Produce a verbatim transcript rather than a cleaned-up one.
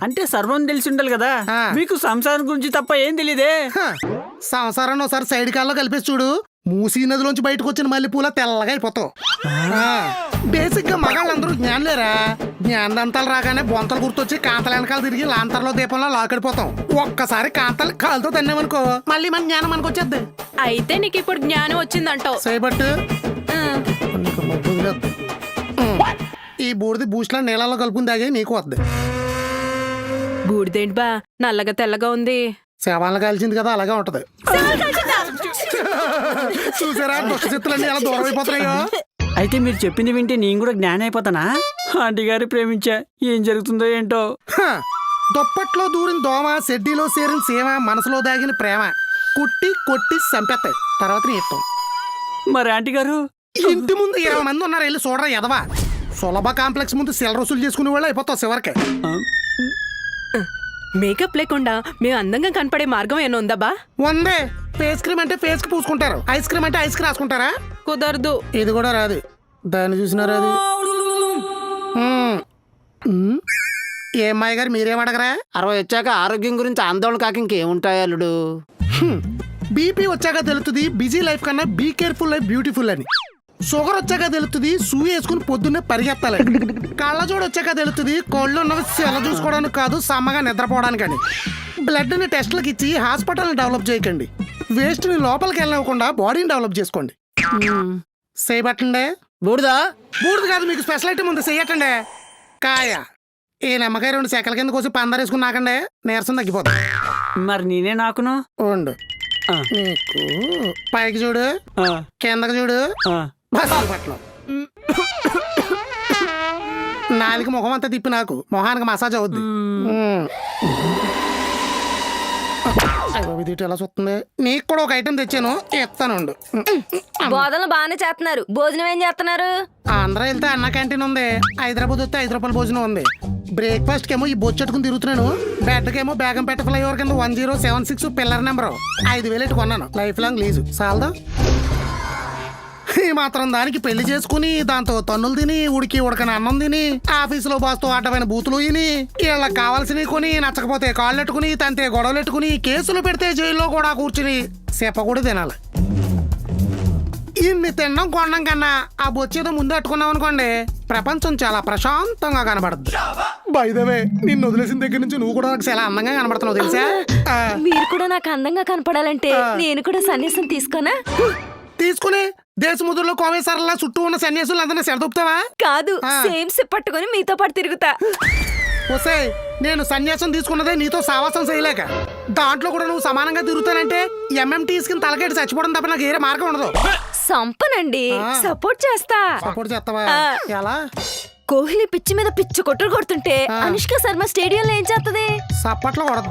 అంటే సర్వం తెలిసి ఉండాలి కదా. మీకు సంసారం గురించి తప్ప ఏం తెలియదే. సంసారాన్ని ఒకసారి సైడ్ కాల్లో కలిపేసి చూడు, మూసీ నదిలోంచి బయటకు వచ్చిన మల్లెపూల తెల్లగా అయిపోతావు. బేసిక్ గా మగాళ్ళందరూ జ్ఞానులేరా. జ్ఞానదంతాలు రాగానే బొంతలు గుర్తొచ్చి కాంతల వెనకాల తిరిగి లాంతర్లో దీపంలో లాకడిపోతాం. ఒక్కసారి కాంతలు కాలుతో తన్నామనుకో మళ్ళీ మన జ్ఞానం మనకు వచ్చేద్ది. అయితే నీకు ఇప్పుడు జ్ఞానం వచ్చిందంటావు. చేయబట్టు ఈ బూడిది బూస్ట్లో నీళ్ళలో కలుపుకుని తాగే నీకు వద్దు. బూడిదేంటి బా నల్లగా తెల్లగా ఉంది? శవాలను కాల్చింది కదా అలాగే ఉంటది. చూసారా దుష్ట చిత్తులన్నీ ఎలా దూరం అయిపోతున్నాయో. అయితే మీరు చెప్పింది వింటే నేను కూడా జ్ఞానం అయిపోతానా? ఆంటీ గారి ప్రేమించా, ఏం జరుగుతుందో ఏంటో. దుప్పట్లో దూరిన దోమ, సెడ్డీలో చేరిన సీమ, మనసులో దాగిన ప్రేమ కుట్టి కొట్టి చంపేస్తాయి. తర్వాత నీ ఇష్టం. మరి ఆంటీ గారు ఇంటి ముందు ఇరవై మంది ఉన్నారు, వెళ్ళి చూడరా ఎదవా. సులభ కాంప్లెక్స్ ముందు సెల రసూలు చేసుకునే వాళ్ళు అయిపోతావు చివరికి. మేకప్ లేకుండా మేము అందంగా కనపడే మార్గం ఏమో ఉందా బా? ఉందే. ఫేస్ క్రీమ్ అంటే ఫేస్ కి పూసుకుంటారు, ఐస్ క్రీమ్ అంటే ఐస్ కి రాసుకుంటారా? కుదరదు. ఇది కూడా రాదు. దాన్ని చూసినారా అది? ఏ అమ్మాయి గారు మీరేం అడగరా? అరవై వచ్చాక ఆరోగ్యం గురించి ఆందోళన కాక ఇంకేముంటాయి అల్లుడు. బీపీ వచ్చాక తెలుస్తుంది బిజీ లైఫ్ కన్నా బీ కేర్ఫుల్ లైఫ్ బ్యూటిఫుల్ అని. షుగర్ వచ్చాక తెలుస్తుంది సూ వేసుకుని పొద్దున్నే పరిగెత్తాలి. కళ్ళజోడు వచ్చాక తెలుస్తుంది కోళ్ళు ఉన్నవి సెల చూసుకోవడానికి కాదు సమ్మగా నిద్రపోవడానికి అని. బ్లడ్ ని టెస్ట్లకు ఇచ్చి హాస్పిటల్ని డెవలప్ చేయకండి. వేస్ట్ ని లోపలికి వెళ్ళకుండా బాడీని డెవలప్ చేసుకోండి. చేయబట్టండి. బూడిదా? బూడిది కాదు, మీకు స్పెషల్ ఐటమ్ ఉంది, చెయ్యటండి. కాయ ఈ నిమ్మకాయ రెండు సెకల కింద కోసి పందరేసుకుని నాకండి, నీరసం తగ్గిపోతుంది. మరి నేనే నాకును ఉండు. నీకు పైకి చూడు, కిందకి చూడు, పట్ల నాలుగు ముఖం అంతా తిప్పి నాకు మొహానికి మసాజ్ అవుద్ది. ఎలా చూస్తుంది? నీకు కూడా ఒక ఐటెం తెచ్చాను, ఇస్తానుండు. బోధనలు బాగానే చేస్తున్నారు, భోజనం ఏం చేస్తున్నారు? ఆంధ్ర వెళ్తే అన్న క్యాంటీన్ ఉంది, హైదరాబాద్ వస్తే ఐదు రూపాయల భోజనం ఉంది. బ్రేక్ఫాస్ట్ కేమో ఈ బొచ్చెట్టుకుని తిరుగుతున్నాను, బెడ్ కేమో బేగంపేట ఫ్లైఓవర్ కింద one zero seven six pillar number ఐదు వేలు ఎట్టు కొన్నాను. లైఫ్ లాంగ్ లీజు చాలదా? ఈ మాత్రం దానికి పెళ్లి చేసుకుని దాంతో తన్నులు తిని ఉడికి ఉడకని అన్నం తిని ఆఫీసులో బాస్తో అడ్డమైన బూతులు తిని వీళ్ళకి కావాల్సినవి కొని నచ్చకపోతే కాళ్ళెట్టుకుని తంతే గొడవలెట్టుకుని కేసులు పెడితే జైల్లో కూడా కూర్చుని సేప కూడా తినాలి. ఇన్ని తినడం కొనడం కన్నా ఆ బొచ్చేదో ముందు అట్టుకున్నాం అనుకోండి, ప్రపంచం చాలా ప్రశాంతంగా కనబడుద్ది. బై ద వే, నిన్ను వదిలేసిన దగ్గర నుంచి నువ్వు కూడా నాకు చాలా అందంగా కనబడుతున్నావు తెలుసా? మీరు కూడా నాకు అందంగా కనపడాలంటే నేను కూడా సన్యాసం తీసుకోనా? తీసుకుని దేశముద్రలో కోవేశ్వరలా చుట్టూ ఉన్న సన్యాసులు అందరినీ సెడదొప్పుతావా? కాదు, సేమ్ సిప్ పట్టుకుని మీతో పాటు తిరుగుతా. వస్తే నేను సన్యాసం తీసుకున్నదే నీతో సావాసం చేయలేక. దాంట్లో కూడా నువ్వు సమానంగా తిరుగుతానంటే ఎంఎంటీస్ కింద తలకెట్టి చచ్చిపోవడం తప్ప నాకు ఏరే మార్గం ఉండదు. సంపనండి, సపోర్ట్ చేస్తా. సపోర్ట్ చేస్తావా? ఎలా? కోహ్లీ పిచ్చి మీద పిచ్చి కొట్టుడు కొడుతుంటే అనుష్క శర్మ స్టేడియంలో ఏం చేస్తుంది? సప్పట్లో కొడద్దు.